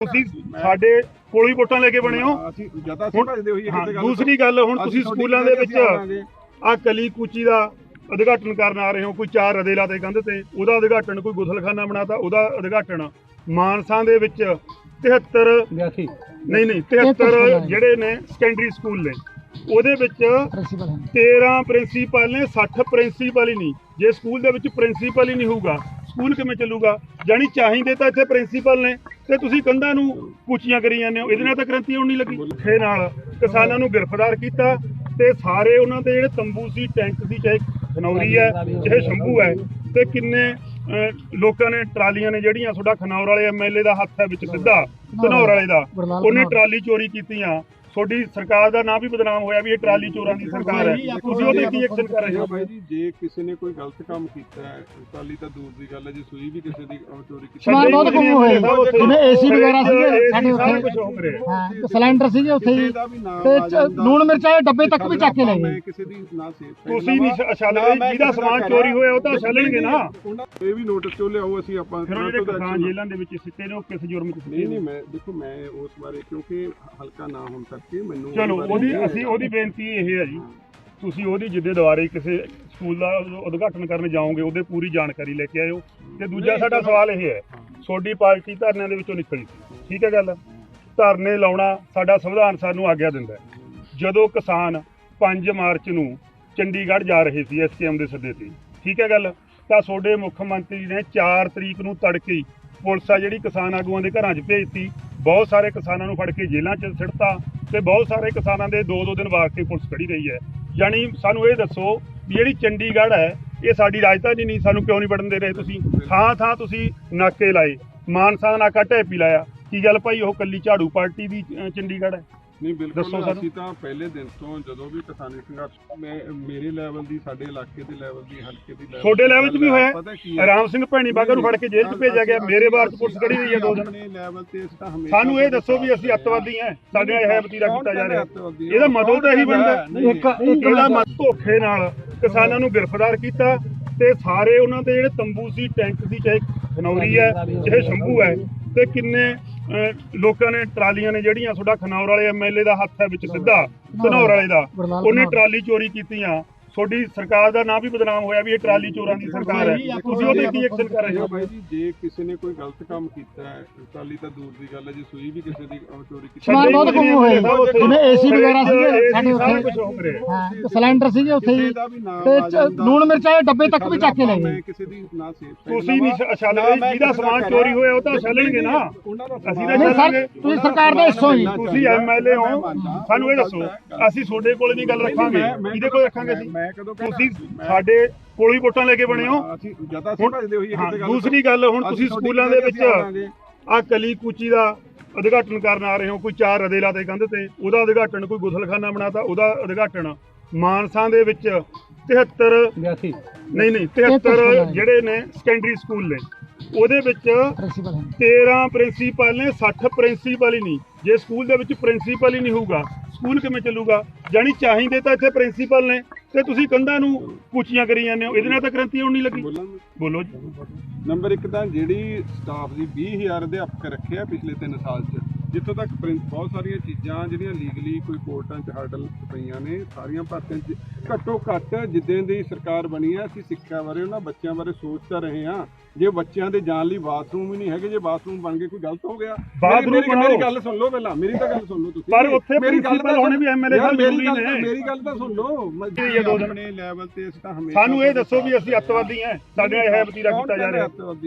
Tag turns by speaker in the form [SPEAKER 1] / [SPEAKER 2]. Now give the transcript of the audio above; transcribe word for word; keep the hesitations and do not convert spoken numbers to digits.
[SPEAKER 1] ਤੁਸੀਂ ਸਾਡੇ ਕੋਲ ਹੀ ਵੋਟਾਂ ਲੈ ਕੇ ਬਣੇ ਹੋ।
[SPEAKER 2] ਅਸੀਂ ਜਦ ਅਸੀਂ ਭਜਦੇ ਹੋਈਏ ਕਿਸੇ ਗੱਲ
[SPEAKER 1] ਦੂਸਰੀ ਗੱਲ ਹੁਣ ਤੁਸੀਂ ਸਕੂਲਾਂ ਦੇ ਵਿੱਚ ਆ ਕਲੀ ਕੂਚੀ ਦਾ ਉਦਘਾਟਨ ਕਰਨ ਆ ਰਹੇ ਹੋ, ਕੋਈ ਚਾਰ ਰਦੇ ਲਾਤੇ ਕੰਧ ਤੇ, ਉਹਦਾ ਉਦਘਾਟਨ, ਕੋਈ ਗੁਸਲਖਾਨਾ ਬਣਾਤਾ ਉਹਦਾ ਉਦਘਾਟਨ। ਮਾਨਸਾ ਦੇ ਵਿੱਚ ਤਿਹੱਤਰ ਨਹੀਂ ਨਹੀਂ ਤਿਹੱਤਰ ਜਿਹੜੇ ਨੇ ਸੈਕੰਡਰੀ ਸਕੂਲ ਨੇ, ਉਹਦੇ ਵਿੱਚ ਤੇਰਾਂ ਪ੍ਰਿੰਸੀਪਲ ਨੇ, ਸੱਠ ਪ੍ਰਿੰਸੀਪਲ ਹੀ ਨਹੀਂ। ਜੇ ਸਕੂਲ ਦੇ ਵਿੱਚ ਪ੍ਰਿੰਸੀਪਲ ਹੀ ਨਹੀਂ ਹੋਊਗਾ ਸਕੂਲ ਕਿਵੇਂ ਚੱਲੂਗਾ? ਜਾਣੀ ਚਾਹੀਦੇ ਤਾਂ ਇੱਥੇ ਪ੍ਰਿੰਸੀਪਲ ਨੇ ਤੇ ਤੁਸੀਂ ਕੰਧਾਂ ਨੂੰ ਕੂਚੀਆਂ ਕਰੀ ਜਾਂਦੇ ਹੋ। ਇਹਦੇ ਨਾਲ ਤਾਂ ਕ੍ਰਾਂਤੀ ਹੋਣੀ ਲੱਗੀ। ਧੋਖੇ ਨਾਲ ਕਿਸਾਨਾਂ ਨੂੰ ਗ੍ਰਿਫਤਾਰ ਕੀਤਾ ਤੇ ਸਾਰੇ ਉਹਨਾਂ ਦੇ ਜਿਹੜੇ ਤੰਬੂ ਸੀ, ਟੈਂਟ ਸੀ, ਚਾਹੇ ਖਨੌਰੀ ਹੈ ਚਾਹੇ ਸ਼ੰਭੂ ਹੈ, ਤੇ ਕਿੰਨੇ ਲੋਕਾਂ ਨੇ ਟਰਾਲੀਆਂ ਨੇ ਜਿਹੜੀਆਂ, ਤੁਹਾਡਾ ਖਨੌਰ ਵਾਲੇ ਐਮਐਲਏ ਦਾ ਹੱਥ ਹੈ ਵਿੱਚ ਸਿੱਧਾ, ਧਨੌਰ ਵਾਲੇ ਦਾ, ਉਹਨੇ ਟਰਾਲੀ ਚੋਰੀ ਕੀਤੀਆਂ। ਤੁਹਾਡੀ ਸਰਕਾਰ ਦਾ ਨਾਂ ਵੀ ਬਦਨਾਮ ਹੋਇਆ ਵੀ ਇਹ ਟਰਾਲੀ ਚੋਰਾਂ ਦੀ ਸਰਕਾਰ ਹੈ। ਤੁਸੀਂ ਉਹਦੇ ਕੀ ਐਕਸ਼ਨ ਕਰ ਰਹੇ ਹੋ?
[SPEAKER 2] ਬਾਈ ਜੀ, ਜੇ ਕਿਸੇ ਨੇ ਕੋਈ ਗਲਤ ਕੰਮ ਕੀਤਾ ਹੈ, ਟਰਾਲੀ ਤਾਂ ਦੂਰ ਦੀ ਗੱਲ ਹੈ, ਜੇ ਸੂਈ ਵੀ ਕਿਸੇ ਦੀ ਚੋਰੀ ਕੀਤੀ,
[SPEAKER 3] ਸਮਾਨ ਬਹੁਤ ਗੁੰਮ ਹੋਇਆ ਜਿਵੇਂ ਏਸੀ ਵਗੈਰਾ ਸੀਗੇ ਸਾਡੇ ਉੱਥੇ, ਹਾਂ ਸਿਲੰਡਰ ਸੀਗੇ ਉੱਥੇ ਹੀ, ਤੇ ਲੂਣ ਮਿਰਚਾਂ ਦੇ ਡੱਬੇ ਤੱਕ ਵੀ ਚੱਕ ਕੇ ਲੈ ਗਏ।
[SPEAKER 2] ਕਿਸੇ ਦੀ ਨਾ ਸੇਫ
[SPEAKER 1] ਤੁਸੀਂ ਨਹੀਂ ਛਾਲਦੇ, ਜਿਹਦਾ ਸਮਾਨ ਚੋਰੀ ਹੋਇਆ ਉਹ ਤਾਂ ਛਾਲਣਗੇ ਨਾ।
[SPEAKER 2] ਇਹ ਵੀ ਨੋਟਿਸ ਚੋਂ ਲਿਆਓ, ਅਸੀਂ ਆਪਾਂ
[SPEAKER 1] ਫਿਰ ਉਹ ਜਿਹੜੇ ਕਿਸਾਨ ਜੇਲ੍ਹਾਂ ਦੇ ਵਿੱਚ ਸਿੱਟੇ ਨੇ ਉਹ ਕਿਸ ਜੁਰਮ ਚ?
[SPEAKER 2] ਨਹੀਂ ਨਹੀਂ ਮੈਂ ਦੇਖੋ, ਮੈਂ ਉਸ ਬਾਰੇ ਕਿਉਂਕਿ ਹਲਕਾ ਨਾ ਹੋਣ ਕਰਕੇ ਮੈਨੂੰ
[SPEAKER 1] ਚਲੋ ਉਹਦੀ ਅਸੀਂ ਉਹਦੀ ਬੇਨਤੀ ਇਹ ਹੈ ਜੀ, ਤੁਸੀਂ ਉਹਦੀ ਜਿੱਦੇ ਦੁਆਰੇ ਕਿਸੇ ਸਕੂਲ ਦਾ ਉਦਘਾਟਨ ਕਰਨ ਜਾਓਗੇ ਉਹਦੇ ਪੂਰੀ ਜਾਣਕਾਰੀ ਲੈ ਕੇ ਆਇਓ। ਤੇ ਦੂਜਾ ਸਾਡਾ ਸਵਾਲ ਇਹ ਹੈ, ਤੁਹਾਡੀ ਪਾਰਟੀ ਧਰਨਿਆਂ ਦੇ ਵਿੱਚੋਂ ਨਿਕਲੀ ਸੀ, ਠੀਕ ਹੈ ਗੱਲ, ਧਰਨੇ ਲਾਉਣਾ ਸਾਡਾ ਸੰਵਿਧਾਨ ਸਾਨੂੰ ਆਗਿਆ ਦਿੰਦਾ ਹੈ। ਜਦੋਂ ਕਿਸਾਨ ਪੰਜ ਮਾਰਚ ਨੂੰ ਚੰਡੀਗੜ੍ਹ ਜਾ ਰਹੇ ਸੀ ਐਸਕੇਐਮ ਦੇ ਸੱਦੇ ਤੇ, ਠੀਕ ਹੈ ਗੱਲ, ਤਾਂ ਤੁਹਾਡੇ ਮੁੱਖ ਮੰਤਰੀ ਨੇ ਚਾਰ ਤਰੀਕ ਨੂੰ ਤੜਕੇ ਹੀ ਪੁਲਿਸ ਆ ਜਿਹੜੀ ਕਿਸਾਨ ਆਗੂਆਂ ਦੇ ਘਰਾਂ 'ਚ ਭੇਜਤੀ, ਬਹੁਤ ਸਾਰੇ ਕਿਸਾਨਾਂ ਨੂੰ ਫੜ ਕੇ ਜੇਲ੍ਹਾਂ 'ਚ ਸਿੱਟਤਾ ਤੇ ਬਹੁਤ ਸਾਰੇ ਕਿਸਾਨਾਂ ਦੇ ਦੋ ਦੋ ਦਿਨ ਵਾਸਤੇ ਪੁਲਿਸ ਖੜੀ ਰਹੀ ਹੈ। ਯਾਨੀ ਸਾਨੂੰ ਇਹ ਦੱਸੋ ਵੀ ਜਿਹੜੀ ਚੰਡੀਗੜ੍ਹ ਹੈ ਇਹ ਸਾਡੀ ਰਾਜਧਾਨੀ ਨਹੀਂ, ਸਾਨੂੰ ਕਿਉਂ ਨਹੀਂ ਵੜਨ ਦੇ ਰਹੇ? ਤੁਸੀਂ ਥਾਂ ਥਾਂ ਤੁਸੀਂ ਨਾਕੇ ਲਾਏ, ਮਾਨਸਾ ਦਾ ਨਾਕਾ ਢੇਪੀ ਲਾਇਆ, ਕੀ ਗੱਲ ਭਾਈ ਉਹ ਕੱਲੀ ਝਾੜੂ ਪਾਰਟੀ ਦੀ ਚੰਡੀਗੜ੍ਹ ਹੈ?
[SPEAKER 2] ਨਹੀਂ ਬਿਲਕੁਲ, ਅਸੀਂ ਤਾਂ ਪਹਿਲੇ ਦਿਨ ਤੋਂ ਜਦੋਂ ਵੀ ਕਿਸਾਨੀ ਸੰਘਰਸ਼, ਮੈਂ ਮੇਰੇ ਲੈਵਲ ਦੀ, ਸਾਡੇ ਇਲਾਕੇ ਦੇ ਲੈਵਲ ਦੀ, ਹਲਕੇ ਦੀ ਲੈਵਲ,
[SPEAKER 1] ਤੁਹਾਡੇ ਲੈਵਲ 'ਚ ਵੀ ਹੋਇਆ। ਰਾਮ ਸਿੰਘ ਭੈਣੀ ਬਾਗਾ ਨੂੰ ਫੜ ਕੇ ਜੇਲ੍ਹ 'ਚ ਭੇਜਿਆ ਗਿਆ, ਮੇਰੇ ਬਾਰ 'ਚ ਪੁਲਿਸ ਖੜੀ ਰਹੀ ਹੈ ਦੋ ਦਿਨ।
[SPEAKER 2] ਲੈਵਲ ਤੇ ਅਸੀਂ ਤਾਂ ਹਮੇਸ਼ਾ, ਸਾਨੂੰ
[SPEAKER 1] ਇਹ ਦੱਸੋ ਵੀ ਅਸੀਂ ਅੱਤਵਾਦੀ ਹਾਂ, ਸਾਡੇ ਇਹ ਵਤੀਰਾ ਕੀਤਾ ਜਾ ਰਿਹਾ, ਇਹਦਾ ਮਤਲਬ ਤਾਂ ਇਹੀ ਬਣਦਾ। ਇੱਕ ਇਹਦਾ ਮਤਲਬ ਧੋਖੇ ਨਾਲ ਕਿਸਾਨਾਂ ਨੂੰ ਗ੍ਰਿਫਤਾਰ ਕੀਤਾ ਤੇ ਸਾਰੇ ਉਹਨਾਂ ਦੇ ਜਿਹੜੇ ਤੰਬੂ ਸੀ, ਟੈਂਟ ਸੀ, ਚਾਹੇ ਖਨੌਰੀ ਹੈ ਚਾਹੇ ਸ਼ੰਭੂ ਹੈ, ਤੇ ਕਿੰਨੇ ਲੋਕਾਂ ਨੇ ਟਰਾਲੀਆਂ ਨੇ ਜਿਹੜੀਆਂ, ਤੁਹਾਡਾ ਖਨੌਰ ਵਾਲੇ ਐਮਐਲਏ ਦਾ ਹੱਥ ਹੈ ਵਿੱਚ ਸਿੱਧਾ, ਧਨੌਰ ਵਾਲੇ ਦਾ, ਉਹਨੇ ਟਰਾਲੀ ਚੋਰੀ ਕੀਤੀਆਂ। ਤੁਹਾਡੀ ਸਰਕਾਰ ਦਾ ਨਾਂ ਵੀ ਬਦਨਾਮ ਹੋਇਆ ਵੀ ਇਹ ਟਰਾਲੀ ਚੋਰਾਂ ਦੀ ਸਰਕਾਰ ਹੈ। ਤੁਸੀਂ ਉਹਦੇ ਕੀ ਐਕਸ਼ਨ ਕਰ ਰਹੇ ਹੋ?
[SPEAKER 2] ਬਾਈ ਜੀ, ਜੇ ਕਿਸੇ ਨੇ ਕੋਈ ਗਲਤ ਕੰਮ ਕੀਤਾ ਹੈ, ਟਰਾਲੀ ਤਾਂ ਦੂਰ ਦੀ ਗੱਲ ਹੈ, ਜੇ ਸੂਈ ਵੀ ਕਿਸੇ ਦੀ ਚੋਰੀ ਕੀਤੀ,
[SPEAKER 3] ਸਮਾਨ ਬਹੁਤ ਗੁੰਮ ਹੋਇਆ ਜਿਵੇਂ ਏਸੀ ਵਗੈਰਾ ਸੀਗੇ ਸਾਡੇ ਉੱਥੇ, ਹਾਂ ਸਿਲੰਡਰ ਸੀਗੇ ਉੱਥੇ ਹੀ, ਤੇ ਲੂਣ ਮਿਰਚਾਂ ਦੇ ਡੱਬੇ ਤੱਕ ਵੀ ਚੱਕ ਕੇ ਲੈ ਗਏ।
[SPEAKER 2] ਕਿਸੇ ਦੀ ਨਾ ਸੇਫ
[SPEAKER 1] ਤੁਸੀਂ ਨਹੀਂ ਛਾਲਦੇ, ਜਿਹਦਾ ਸਮਾਨ ਚੋਰੀ ਹੋਇਆ ਉਹ ਤਾਂ ਛਾਲਣਗੇ ਨਾ। ਅਸੀਂ ਤਾਂ ਛਾਲਾਂਗੇ।
[SPEAKER 3] ਤੁਸੀਂ ਸਰਕਾਰ ਦਾ ਹਿੱਸਾ ਹੀ,
[SPEAKER 1] ਤੁਸੀਂ ਐਮਐਲਏ ਹੋ, ਸਾਨੂੰ ਇਹ ਦੱਸੋ ਅਸੀਂ ਤੁਹਾਡੇ ਕੋਲ ਨਹੀਂ ਗੱਲ ਰੱਖਾਂਗੇ, ਕਿਹਦੇ ਕੋਲ ਰੱਖਾਂਗੇ? ਅਸੀਂ ਤੁਸੀਂ ਸਾਡੇ ਕੋਲ ਹੀ ਵੋਟਾਂ ਲੈ ਕੇ ਬਣੇ ਹੋ।
[SPEAKER 2] ਅਸੀਂ ਜਦ ਅਸੀਂ ਭਜਦੇ ਹੋਈਏ ਕਿਸੇ ਗੱਲ।
[SPEAKER 1] ਦੂਸਰੀ ਗੱਲ ਹੁਣ ਤੁਸੀਂ ਸਕੂਲਾਂ ਦੇ ਵਿੱਚ ਆ ਕਲੀ ਕੂਚੀ ਦਾ ਉਦਘਾਟਨ ਕਰਨ ਆ ਰਹੇ ਹੋ, ਕੋਈ ਚਾਰ ਰਦੇ ਲਾਤੇ ਕੰਧ ਤੇ, ਉਹਦਾ ਉਦਘਾਟਨ, ਕੋਈ ਗੁਸਲਖਾਨਾ ਬਣਾਤਾ ਉਹਦਾ ਉਦਘਾਟਨ। ਮਾਨਸਾ ਦੇ ਵਿੱਚ ਤਿਹੱਤਰ ਨਹੀਂ ਨਹੀਂ ਤਿਹੱਤਰ ਜਿਹੜੇ ਨੇ ਸੈਕੰਡਰੀ ਸਕੂਲ ਨੇ, ਉਹਦੇ ਵਿੱਚ ਤੇਰਾਂ ਪ੍ਰਿੰਸੀਪਲ ਨੇ, ਸੱਠ ਪ੍ਰਿੰਸੀਪਲ ਹੀ ਨਹੀਂ। ਜੇ ਸਕੂਲ ਦੇ ਵਿੱਚ ਪ੍ਰਿੰਸੀਪਲ ਹੀ ਨਹੀਂ ਹੋਊਗਾ ਸਕੂਲ ਕਿਵੇਂ ਚੱਲੂਗਾ? ਜਾਣੀ ਚਾਹੀਦੇ ਤਾਂ ਇੱਥੇ ਪ੍ਰਿੰਸੀਪਲ ਨੇ ਤੇ ਤੁਸੀਂ ਕੰਧਾਂ ਨੂੰ ਕੂਚੀਆਂ ਕਰੀ ਜਾਂਦੇ ਹੋ। ਇਹਦੇ ਨਾਲ ਤਾਂ ਕ੍ਰਾਂਤੀ ਹੋਣੀ ਲੱਗੀ। ਬੋਲੋ ਜੀ।
[SPEAKER 2] ਨੰਬਰ ਇੱਕ ਤਾਂ ਜਿਹੜੀ ਸਟਾਫ ਦੀ ਵੀਹ ਹਜ਼ਾਰ ਅਧਿਆਪਕ ਰੱਖਿਆ ਪਿਛਲੇ ਤਿੰਨ ਸਾਲ 'ਚ, ਜਿੱਥੋਂ ਤੱਕ ਬਹੁਤ ਸਾਰੀਆਂ ਚੀਜ਼ਾਂ ਜਿਹੜੀਆਂ ਲੀਗਲੀ ਕੋਈ ਕੋਰਟਾਂ 'ਚ ਹਰਡਲ ਪਈਆਂ ਨੇ, ਸਾਰੀਆਂ ਭਰਤੀਆਂ 'ਚ ਘੱਟੋ ਘੱਟ ਜਿੱਦਾਂ ਦੀ ਸਰਕਾਰ ਬਣੀ ਹੈ, ਅਸੀਂ ਸਿੱਖਿਆ ਬਾਰੇ, ਉਹਨਾਂ ਬੱਚਿਆਂ ਬਾਰੇ ਸੋਚ ਤਾਂ ਰਹੇ ਹਾਂ। ਜੇ ਬੱਚਿਆਂ ਦੇ ਜਾਣ ਲਈ ਬਾਥਰੂਮ ਹੀ ਨਹੀਂ ਹੈਗੇ, ਜੇ ਬਾਥਰੂਮ ਬਣ ਗਏ ਕੋਈ ਗਲਤ ਹੋ ਗਿਆ। ਮੇਰੀ ਗੱਲ ਸੁਣ ਲਓ ਪਹਿਲਾਂ, ਮੇਰੀ ਤਾਂ ਗੱਲ ਸੁਣ ਲਓ ਤੁਸੀਂ।
[SPEAKER 1] ਪਰ ਉੱਥੇ ਮੇਰੀ ਗੱਲ ਤਾਂ ਹੋਣੀ ਵੀ ਐਮਐਲਏ ਸਾਹਿਬ ਜ਼ਰੂਰੀ ਨੇ।
[SPEAKER 2] ਮੇਰੀ ਗੱਲ ਤਾਂ ਸੁਣ ਲਓ। ਆਪਣੇ ਲੈਵਲ ਤੇ ਅਸੀਂ ਤਾਂ ਹਮੇਸ਼ਾ,
[SPEAKER 1] ਸਾਨੂੰ ਇਹ ਦੱਸੋ ਵੀ ਅਸੀਂ ਅੱਤਵਾਦੀ ਹਾਂ, ਸਾਡੇ ਇਹ ਵਤੀਰਾ ਕੀਤਾ ਜਾ ਰਿਹਾ।